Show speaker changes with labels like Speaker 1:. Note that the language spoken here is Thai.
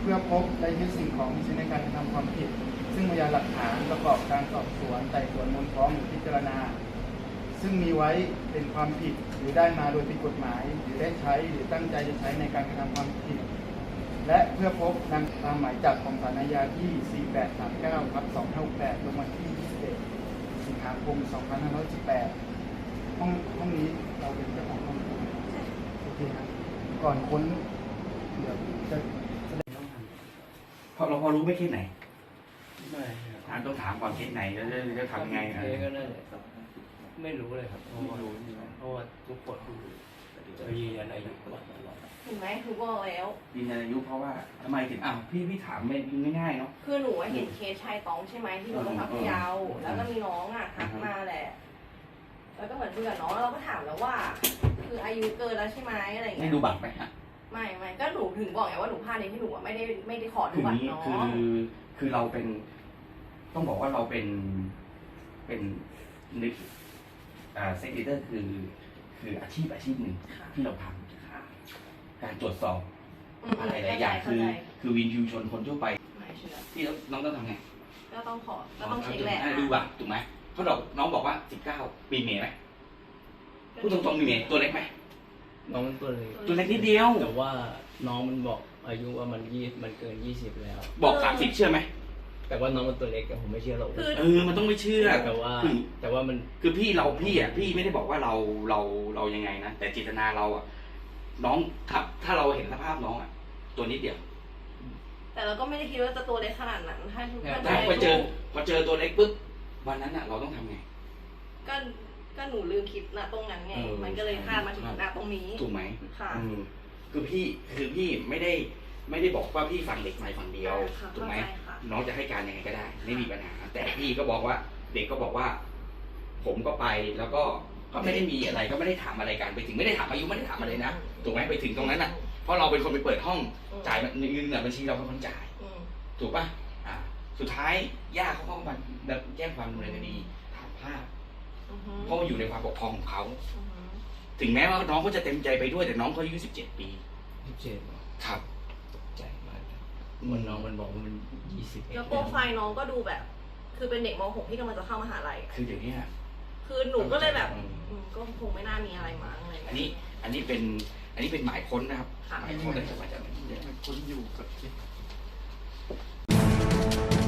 Speaker 1: เพื่อพบและยึดสิ่งของที่ใช้ในการกระทำความผิดซึ่งพยานหลักฐานประกอบการสอบสวนไต่สวนมูลฟ้องหรือพิจารณาซึ่งมีไว้เป็นความผิดหรือได้มาโดยผิดกฎหมายหรือได้ใช้หรือตั้งใจจะใช้ในการกระทำความผิดและเพื่อพบนำตามหมายจับของศาลอาญาที่ 4839/2568 ลงวันที่ 21 สิงหาคม 2518 ห้องนี้เราเป็นเจ้าของห้องโอเคครับก่อนค้นเดี๋ยวจะ
Speaker 2: พอเราพอรู้ไม่เคสไหน
Speaker 3: ไม่ครับ
Speaker 2: ต้องถามก่อนเคสไหนแล้วจะทำไง
Speaker 3: เก็นั่นแหละครับไม่รู้เลยครับเพราะว่าทุกคนจะยืนยันอายุตลอด
Speaker 4: เห็นไหมหนูบอกแล้ว
Speaker 2: ยืนยันอายุเพราะว่าทำไมถึงพี่ถามเป็นง่ายๆเนาะ
Speaker 4: คือหนูเห็นเคสชายต้องใช่ไหมที่หนูไปพักยาวแล้วก็มีน้องทักมาแหละแล้วก็เหมือนคุยกับน้องแล้วเราก็ถามแล้วว่า คืออายุเกินแล้วใช่ไหมอะไรอย่าง
Speaker 2: ไม่
Speaker 4: เงี้ย
Speaker 2: ดูบัตรไหมฮะ
Speaker 4: ไม่ก็หนูถึงบอกไงว่าหนูพลาดในที่หนูไม่ได้ขอดู
Speaker 2: คือ
Speaker 4: บัตร
Speaker 2: นี้
Speaker 4: น้อง
Speaker 2: คือเราเป็น ต้องบอกว่าเราเป็นนึกเซกเตอร์คืออาชีพหนึ่งที่เราทำการตรวจสอบอะไรหลายอย่างคือวินยูชนคนทั่วไป
Speaker 4: ไม่เชื่อ
Speaker 2: ที่น้องต้องทำไง
Speaker 4: ก็ต้องเช็คแหละ
Speaker 2: ดูบัตรถูกไหมเขาน้องบอกว่า19มีเมย์ไหมพูดตรงๆมีเมย์ตัวเล็กไหม
Speaker 3: น้องมันตัวเล็ก
Speaker 2: ตัวเล็กนิดเดียว
Speaker 3: แต่ว่าน้องมันบอกอายุว่ามันเกิน20แล้ว
Speaker 2: บอก30เชื่อไหม
Speaker 3: แต่ว่าน้องมันตัวเล็กแต่ผมไม่เชื่อหรอก
Speaker 2: มันต้องไม่เชื่อ
Speaker 3: แต่ว่ามัน
Speaker 2: คือพี่ไม่ได้บอกว่าเรายังไงนะแต่เจตนาเราอ่ะน้องครับถ้าเราเห็นสภาพน้องอ่ะตัวนิดเดียว
Speaker 4: แต่เราก็ไม่ได้คิดว่าจะตัวเล็กขนาดนั้นถ้า
Speaker 2: แต่พอเจอตัวเล็กปุ๊บวันนั้นอ่ะเราต้องทำไง
Speaker 4: ก็หนูลืมคิดนะตรงนั้นไงมันก็เลยพลาดมาถึงหน้าตรงนี้
Speaker 2: ถูกไหม
Speaker 4: ค่ะ
Speaker 2: คือพี่ไม่ได้บอกว่าพี่ฟังเด็กใหม่ฝั่งเดียวถูกไหมน้องจะให้การยังไงก็ได้ไม่มีปัญหาแต่พี่ก็บอกว่าเด็กก็บอกว่า ผมก็ไปแล้วก็ไม่ได้มีอะไรก็ไม่ได้ถามอะไรกันไปถึงไม่ได้ถามอายุไม่ได้ถามอะไรนะถูกไหมไปถึงตรงนั้นอ่ะเพราะเราเป็นคนไปเปิดห้องจ่ายเงินบัญชีเราเป็นคนจ่ายถูกป่ะสุดท้ายย่าเขาก็มาแจ้งความดำเนินคดีฐานพลาดเพราะอยู่ในความปกครองของเขาถึงแม้ว่าน้องเขาจะเต็มใจไปด้วยแต่น้องเขาอายุ17 ปี
Speaker 3: 17
Speaker 2: ครับ
Speaker 3: ใจมากมันน้องมันบอกว่ามัน20
Speaker 4: แล้วโปรไฟล์น้องก็ดูแบบ คือเป็นเด็กม .6 ที่กำลังจะเข้ามหาลัย
Speaker 2: คืออย่างนี้
Speaker 4: คือหนูก็เลยแบบก็คงไม่น่ามีอะไรมั้งอะไร
Speaker 2: อันนี้เป็นหมายค้นนะครับหมายค้นเลยจะมาจากไหน
Speaker 1: คนอยู่กับ